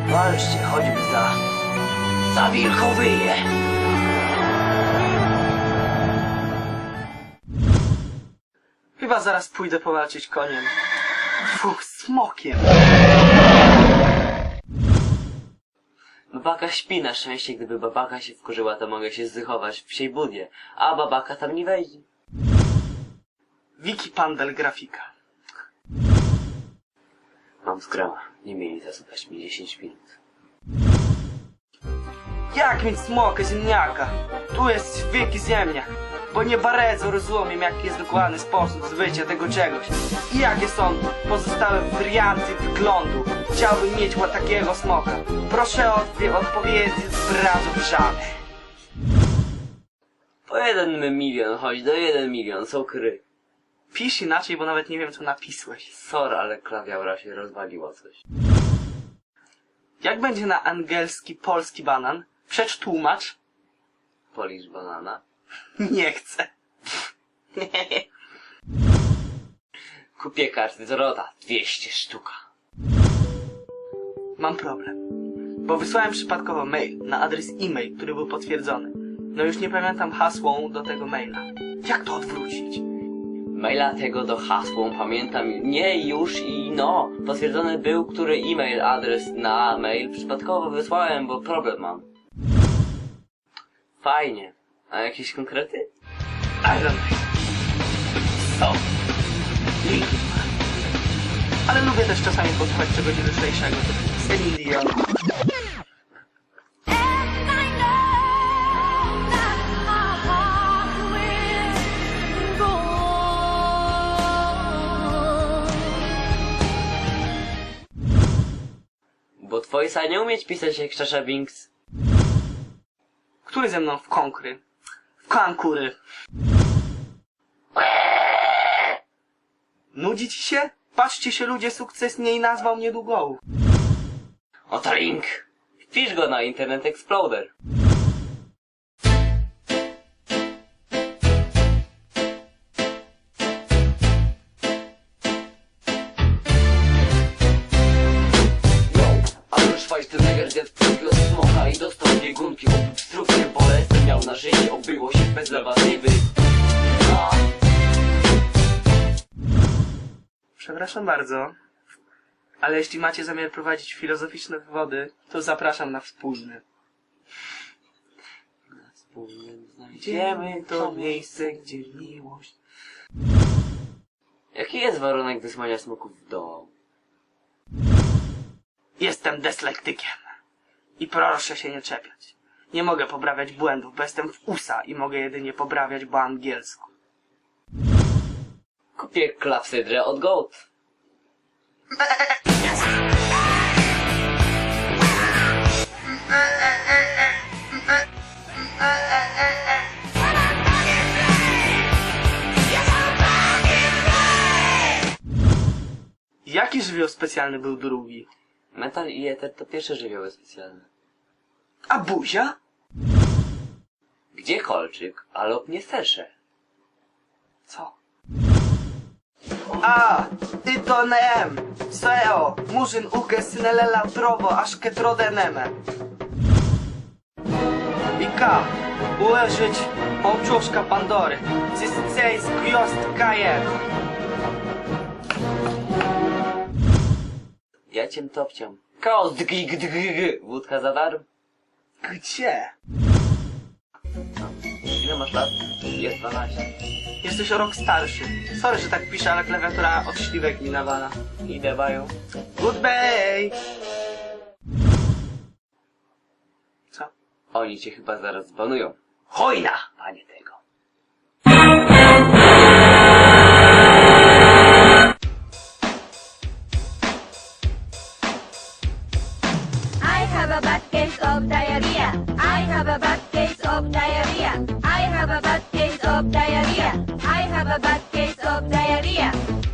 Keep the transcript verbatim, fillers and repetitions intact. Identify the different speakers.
Speaker 1: Walczcie choćby za... za wilkowyje.
Speaker 2: Chyba zaraz pójdę powalczyć koniem. Fuch, smokiem.
Speaker 1: Babaka śpi na szczęście, gdyby babaka się wkurzyła, to mogę się zdychować w psiej budzie, a babaka tam nie wejdzie.
Speaker 2: Wiki Pandel grafika.
Speaker 1: Mam skrama, nie mieli zasłuchać mi dziesięć minut.
Speaker 2: Jak mieć smoka ziemniaka? Tu jest wielki ziemniak. Bo nie bardzo rozumiem, jaki jest dokładny sposób zbycia tego czegoś. I jakie są pozostałe warianty wyglądu. Chciałbym mieć takiego smoka. Proszę o odpowiedzi z razu wrzany.
Speaker 1: Po jeden milion, chodź do jeden milion, są kry.
Speaker 2: Pisz inaczej, bo nawet nie wiem, co napisłeś.
Speaker 1: Sorry, ale klawiatura się rozwaliła coś.
Speaker 2: Jak będzie na angielski polski banan? Przetłumacz.
Speaker 1: Polisz banana.
Speaker 2: Nie chcę.
Speaker 1: Kupię karty z Rota, dwieście sztuka.
Speaker 2: Mam problem. Bo wysłałem przypadkowo mail na adres e-mail, który był potwierdzony. No już nie pamiętam hasłą do tego maila. Jak to odwrócić?
Speaker 1: Maila tego do hasłą pamiętam. Nie już i no. Potwierdzony był, który e-mail adres na mail przypadkowo wysłałem, bo problem mam. Fajnie. A jakieś konkrety?
Speaker 2: I don't know.
Speaker 1: Co?
Speaker 2: Linkin Park. Ale lubię też czasami posłuchać czegoś lżejszego. Celine Dion.
Speaker 1: Bo twojsa nie umieć pisać jak Sasha Binks.
Speaker 2: Który ze mną w konkry? W kankury. Nudzi ci się? Patrzcie się ludzie, sukces nie nazwał mnie długołów.
Speaker 1: Oto link! Wpisz go na Internet Explorer. Schweinsteiger zjadł przed smoka i dostał biegunki. Obstrukcję bolesne miał na życie, obyło się bez lewatywy. No.
Speaker 2: Przepraszam bardzo, ale jeśli macie zamiar prowadzić filozoficzne wywody, to zapraszam na wspólny.
Speaker 1: Na wspólnym znajdziemy to miejsce, gdzie miłość. Jaki jest warunek wysłania smoków w dół?
Speaker 2: Jestem dyslektykiem. I proszę się nie czepiać. Nie mogę poprawiać błędów, bo jestem w U S A i mogę jedynie poprawiać po angielsku.
Speaker 1: Kupię klapsydrę od Goat.
Speaker 2: Jaki żywioł specjalny był drugi?
Speaker 1: Metal i eter to pierwsze żywioły specjalne.
Speaker 2: A buzia?
Speaker 1: Gdzie kolczyk, a lub nie stersze?
Speaker 2: Co? A, ty to nem, seo, murzyn uke synelela trowo, aż ketrodeneme. Ika, uleżyć ołczuszka Pandory, cyscej z gwiazd kajego.
Speaker 1: Ja cię topciam. Chaos dg dg wódka za darm.
Speaker 2: Gdzie?
Speaker 1: Ile masz lat? Jest dwanaście.
Speaker 2: Jesteś o rok starszy. Sorry, że tak piszę, ale klawiatura od śliwek mi nawala.
Speaker 1: Idę bają.
Speaker 2: Goodbye! Co?
Speaker 1: Oni cię chyba zaraz zbanują.
Speaker 2: Hojna!
Speaker 1: Panie tego.
Speaker 3: I have a bad case of diarrhea. I have a bad case of diarrhea. I have a bad case of diarrhea. I have a bad case of diarrhea.